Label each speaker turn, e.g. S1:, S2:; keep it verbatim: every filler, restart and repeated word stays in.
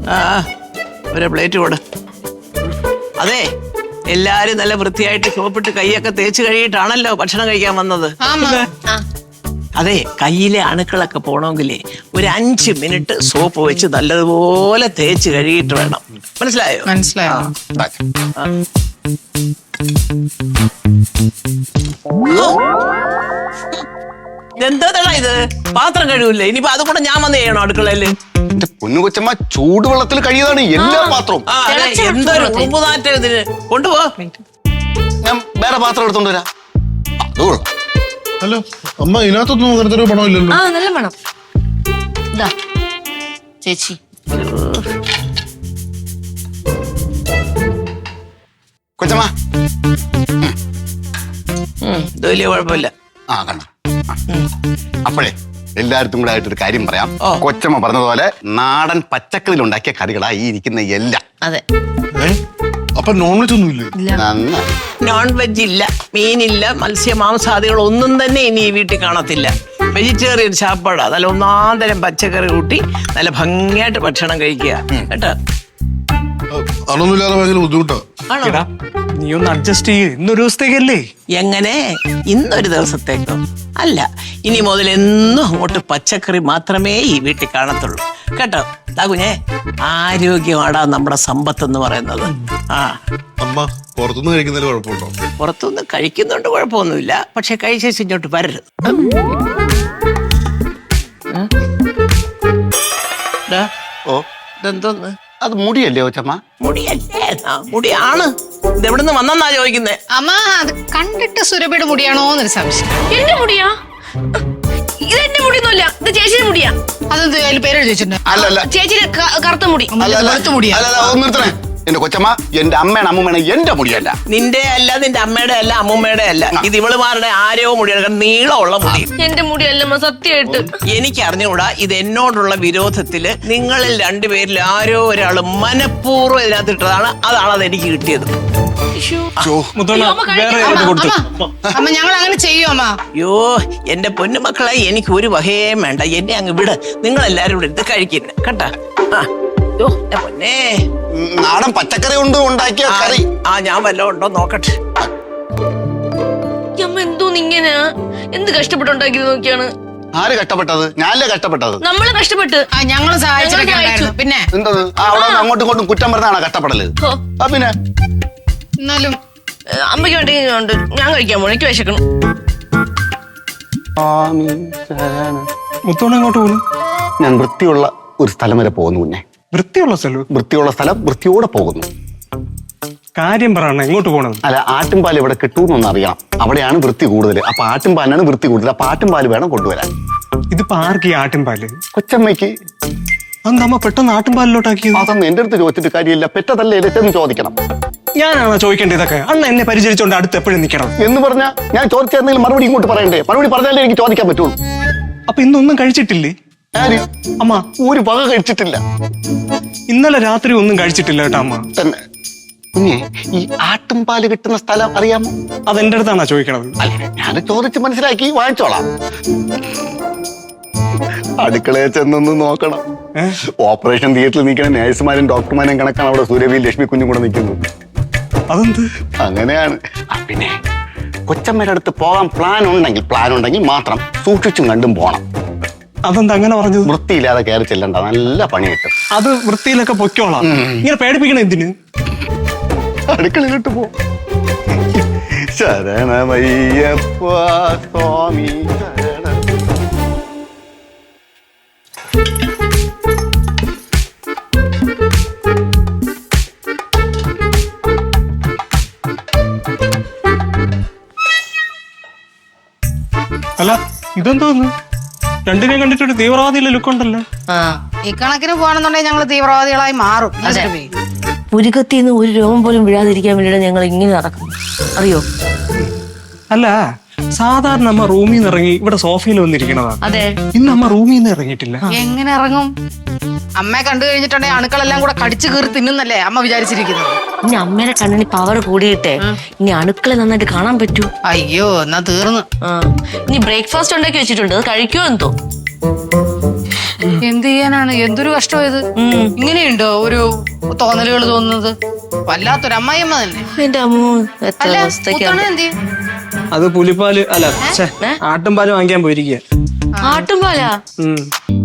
S1: ആ ഒരു പ്ലേറ്റ് കൊടു. അതെ, എല്ലാരും നല്ല വൃത്തിയായിട്ട് സോപ്പിട്ട് കൈയൊക്കെ തേച്ച് കഴിയിട്ടാണല്ലോ ഭക്ഷണം കഴിക്കാൻ വന്നത്. അതെ, കയ്യിലെ അണുക്കളൊക്കെ പോണമെങ്കിലേ ഒരു അഞ്ച് മിനിറ്റ് സോപ്പ് വെച്ച് നല്ലതുപോലെ തേച്ച് കഴുകിയിട്ട് വേണം. മനസ്സിലായോ?
S2: മനസ്സിലായോ?
S1: എന്താ ഇത്? പാത്രം കഴിവില്ലേ? ഇനിയിപ്പോ അത് കൂടെ ഞാൻ വന്ന് ചെയ്യണോ അടുക്കളയില്?
S3: പൊന്നു കൊച്ചമ്മ ചൂടുവെള്ളത്തിൽ കഴിയതാണ് എല്ലാ പാത്രവും.
S1: എന്തൊരു ഉറുമ്പുനാറ്റം ഇതിന്. കൊണ്ടുപോ,
S3: ഞാൻ വേറെ പാത്രം എടുത്തോണ്ട് വരാം. അതുകൊള്ളാം.
S4: ഹലോ അമ്മ, ഇതിനകത്തൊന്നും അങ്ങനത്തെ ഒരു പണമില്ലല്ലോ.
S5: ആ നല്ല പണം. ഇതാ ചേച്ചി.
S3: കൊച്ചമ്മ
S1: ഇത് വലിയ കുഴപ്പമില്ല.
S3: ആ കണ്ട. അപ്പോഴേ എല്ലായിടത്തും കൂടെ ആയിട്ടൊരു കാര്യം പറയാം. കൊച്ചമ്മ പറഞ്ഞതുപോലെ നാടൻ പച്ചക്കറിയിൽ ഉണ്ടാക്കിയ കറികളാ ഈ ഇരിക്കുന്ന എല്ലാം.
S5: അതെ.
S4: അപ്പൊ നോൺ വെജ് ഒന്നും ഇല്ലേ?
S3: നന്നായി.
S1: നോൺ വെജ് ഇല്ല, മീനില്ല, മത്സ്യ മാംസാദികൾ ഒന്നും തന്നെ ഇനി ഈ വീട്ടിൽ കാണത്തില്ല. വെജിറ്റേറിയൻ ചാപ്പാടാ. നല്ല ഒന്നാം തരം പച്ചക്കറി കൂട്ടി നല്ല ഭംഗിയായിട്ട് ഭക്ഷണം കഴിക്കുക കേട്ടോ.
S4: അതൊന്നുമില്ലാതെ ഭയങ്കര ബുദ്ധിമുട്ടാ.
S1: ആണോ?
S6: നീ ഒന്ന് അഡ്ജസ്റ്റ് ചെയ്യ്. ഇന്നൊരു ദിവസത്തേക്കല്ലേ?
S1: എങ്ങനെ? ഇന്നൊരു ദിവസത്തേക്കോ? അല്ല, ഇനി മുതൽ എന്നും അങ്ങോട്ട് പച്ചക്കറി മാത്രമേ ഈ വീട്ടിൽ കാണത്തുള്ളൂ കേട്ടോ. കുഞ്ഞേ, ആരോഗ്യമാടാ നമ്മുടെ സമ്പത്ത് എന്ന് പറയുന്നത്. ആ
S4: അമ്മ പുറത്തുനിന്ന് കഴിക്കുന്നതിൽ കുഴപ്പമുണ്ടോ?
S1: പുറത്തുനിന്ന് കഴിക്കുന്നുണ്ട്, കുഴപ്പമൊന്നുമില്ല. പക്ഷെ കഴിച്ച ഇങ്ങോട്ട് വരരുത്.
S3: ഓ,
S1: ഇതെന്തോന്ന്?
S3: അത് മുടിയല്ലേ കൊച്ചമ്മ?
S1: മുടിയല്ലേ? മുടിയാണ്. ഇതെവിടുന്ന് വന്നെന്നാ ചോദിക്കുന്നേ.
S2: അമ്മ, അത് കണ്ടിട്ട് സുരഭിയുടെ മുടിയാണോന്നൊരു സംശയം.
S5: എന്റെ മുടിയാ? ഇതെന്റെ മുടിയൊന്നുമല്ല, ഇത് ചേച്ചിയുടെ മുടിയാ.
S2: അതെന്ത് അതിൽ പേര് ചോദിച്ചിട്ടുണ്ട്?
S3: അല്ലല്ല,
S5: ചേച്ചിയുടെ കറുത്ത മുടി.
S2: വെളുത്ത മുടിയാ.
S3: അല്ലല്ല, ഒന്ന് നിർത്തണേ. എന്റെ കൊച്ചമ്മ, എന്റെ അമ്മയാണ് അമ്മൂമ്മയാണ് എന്റെ മുടിയല്ല.
S1: നിന്റെ അല്ല, നിന്റെ അമ്മയുടെ അല്ല, അമ്മൂമ്മയുടെ അല്ല. ഇത് ഇവളുമാരുടെ ആരോ മുടിയാണ്. കാരണം നീളമുള്ള മുടി.
S5: എന്റെ മുടിയല്ലമ്മ, സത്യമായിട്ട്.
S1: എനിക്ക് അറിഞ്ഞുകൂടാ. ഇത് എന്നോടുള്ള വിരോധത്തില് നിങ്ങളിൽ രണ്ടുപേരിൽ ആരോ ഒരാള് മനഃപൂർവ്വം ഇതിനകത്ത് ഇട്ടതാണ്. അതാണ് അത് എനിക്ക് കിട്ടിയത്.
S2: അമ്മ, ഞങ്ങൾ അങ്ങനെ ചെയ്യും അമ്മ.
S1: അയ്യോ, എന്റെ പൊന്നുമക്കളെ, എനിക്ക് ഒരു വകയും വേണ്ട. എന്നെ അങ്ങ് വിട്. നിങ്ങൾ എല്ലാരും ഇവിടെ ഇത് കഴിക്കുന്നു കേട്ടാ. ആ പൊന്നേ,
S3: നാടൻ പച്ചക്കറി കൊണ്ട് ഉണ്ടാക്കിയ കറി.
S1: ആ ഞാൻ വല്ലതും ഉണ്ടോ നോക്കട്ടെ.
S5: അമ്മ എന്തോന്ന് ഇങ്ങനെ? എന്ത് കഷ്ടപ്പെട്ടുണ്ടാക്കിയത് നോക്കിയാണ്.
S3: ആര് കഷ്ടപ്പെട്ടത്? ഞാനല്ലേ കഷ്ടപ്പെട്ടത്.
S5: നമ്മള് കഷ്ടപ്പെട്ട്
S2: ഞങ്ങൾ സഹായിച്ചു. പിന്നെ
S3: എന്തത്? ആ അവിടെ അങ്ങോട്ടും ഇങ്ങോട്ടും കുറ്റം പറഞ്ഞാണ് കഷ്ടപ്പെടല്. ആ പിന്നെ
S2: എന്നാലും
S5: അമ്മയ്ക്ക് വേണ്ടി ഉണ്ട്. ഞാൻ കഴിക്കാൻ പോണു, എനിക്ക് വിശക്കണം.
S6: മുത്തോണം എങ്ങോട്ട് പോകുന്നു?
S3: ഞാൻ വൃത്തിയുള്ള ഒരു സ്ഥലം വരെ പോകുന്നു. കുഞ്ഞെ,
S6: വൃത്തിയുള്ള സ്ഥലം?
S3: വൃത്തിയുള്ള സ്ഥലം, വൃത്തിയോടെ പോകുന്നു.
S6: കാര്യം പറയണ, എങ്ങോട്ട് പോകണം?
S3: അല്ല, ആട്ടുംപാൽ ഇവിടെ കിട്ടൂന്നൊന്ന് അറിയണം. അവിടെയാണ് വൃത്തി കൂടുതൽ. അപ്പൊ ആട്ടുംപാലിനാണ് വൃത്തി കൂടുതൽ. അപ്പൊ ആട്ടുംപാൽ വേണം കൊണ്ടുവരാൻ.
S6: ഇതിപ്പോ ആർക്ക് ഈ ആട്ടുംപാല്?
S3: കൊച്ചമ്മയ്ക്ക്.
S6: അന്ന് അമ്മ പെട്ടെന്ന് ആട്ടുംപാലിലോട്ടാക്കിയത്?
S3: അതൊന്നും എന്റെ അടുത്ത് ചോദിച്ചിട്ട് കാര്യമില്ല. പെറ്റതല്ലേ ഇരട്ടെന്ന് ചോദിക്കണം.
S6: ഞാനാണോ ചോദിക്കേണ്ടത് ഇതൊക്കെ? അണ്ണ എന്നെ പരിചരിച്ചോണ്ട് അടുത്ത് എപ്പോഴും നിൽക്കണം
S3: എന്ന് പറഞ്ഞാ ഞാൻ ചോദിച്ചെന്തെങ്കിലും മറുപടി ഇങ്ങോട്ട് പറയണ്ടേ? മറുപടി പറഞ്ഞാലേ എനിക്ക് ചോദിക്കാൻ പറ്റുള്ളൂ.
S6: അപ്പൊ ഇന്നൊന്നും കഴിച്ചിട്ടില്ലേ?
S3: ആര്?
S6: അമ്മ
S3: ഒരു വക കഴിച്ചിട്ടില്ല.
S6: ഇന്നലെ രാത്രി ഒന്നും കഴിച്ചിട്ടില്ല കേട്ടോ അമ്മ.
S3: തന്നെ. കുഞ്ഞെ, ഈ ആട്ടുംപാല് കിട്ടുന്ന സ്ഥലം അറിയാമോ?
S6: അതെന്റെ അടുത്താണോ ചോദിക്കണത്?
S3: അല്ല, ഞാൻ ചോദിച്ച് മനസ്സിലാക്കി വാങ്ങിച്ചോളാം. അടുക്കളയിൽ ചെന്നൊന്ന് നോക്കണം. ഓപ്പറേഷൻ തിയേറ്ററിൽ നിൽക്കുന്ന നേഴ്സുമാരും ഡോക്ടർമാരും കണക്കാണ് അവിടെ സൂര്യവിയും ലക്ഷ്മി കുഞ്ഞും കൂടെ നിൽക്കുന്നത്.
S6: അതെന്ത്?
S3: അങ്ങനെയാണ്. പിന്നെ കൊച്ചമ്മയുടെ അടുത്ത് പോകാൻ പ്ലാൻ ഉണ്ടെങ്കിൽ പ്ലാൻ ഉണ്ടെങ്കിൽ മാത്രം സൂക്ഷിച്ചും കണ്ടും പോണം.
S6: അതെന്താ അങ്ങനെ പറഞ്ഞത്?
S3: വൃത്തിയില്ലാതെ കയറി ചെല്ലണ്ട, നല്ല പണി കിട്ടും.
S6: അത് വൃത്തിയിലൊക്കെ പൊയ്ക്കോളാം. ഇങ്ങനെ പേടിപ്പിക്കണം എന്തിന്?
S3: അടുക്കളയിലോട്ട് പോ. ശരണമയ്യപ്പ സ്വാമി ശരണ.
S6: അല്ല, ഇതെന്തോന്ന്? രണ്ടിനെ കണ്ടിട്ടൊരു തീവ്രവാദിയിലെ ലുക്കുണ്ടല്ലോ.
S2: ഈ കണക്കിന് പോകണമെന്നുണ്ടെങ്കിൽ ഞങ്ങള് തീവ്രവാദികളായി മാറും.
S5: പുരികത്തിന്ന് ഒരു രോഗം പോലും വീഴാതിരിക്കാൻ വേണ്ടിയിട്ട് ഞങ്ങൾ ഇങ്ങനെ നടക്കും, അറിയോ?
S6: അല്ല, സാധാരണ അമ്മ റൂമിൽ നിന്ന് ഇറങ്ങി ഇവിടെ സോഫയിൽ വന്നിരിക്കണതാണ്.
S5: അതെ.
S6: ഇന്ന് അമ്മ റൂമിൽ നിന്ന് ഇറങ്ങിയിട്ടില്ല.
S2: എങ്ങനെ ഇറങ്ങും? അമ്മയെ കണ്ടു കഴിഞ്ഞിട്ടുണ്ടെങ്കിൽ അണുക്കളെല്ലാം കൂടെ കടിച്ചു കീറി തിന്നുന്നല്ലേ അമ്മ വിചാരിച്ചിരിക്കുന്നത്.
S5: ഇനി അമ്മേനെ കണ്ണിന് പവർ കൂടിയിട്ടെ ഇനി അണുക്കളെ നന്നായിട്ട് കാണാൻ പറ്റൂ.
S2: അയ്യോ, എന്നാ തീർന്നു.
S5: ആ, ഇനി ബ്രേക്ക്ഫാസ്റ്റ് ഉണ്ടാക്കി വെച്ചിട്ടുണ്ട്, അത് കഴിക്കുമോ എന്തോ.
S2: എന്ത് ചെയ്യാ? ചെയ്യാനാണ്? എന്തൊരു കഷ്ടമായത്. ഇങ്ങനെയുണ്ടോ ഒരു തോന്നലുകൾ തോന്നുന്നത്? വല്ലാത്തൊരു അമ്മായിയമ്മ തന്നെ.
S5: എന്റെ അമ്മ എത്ര
S2: അല്ല
S5: അവസ്ഥയ്ക്കാ.
S2: മുത്തോണ എന്ത് ചെയ്യും?
S6: അത് പുലിപ്പാല് അല്ല ഛെ, ആട്ടുംപാല് വാങ്ങിക്കാൻ പോയിരിക്കുക.
S5: ആട്ടുംപാലാ?
S6: ഉം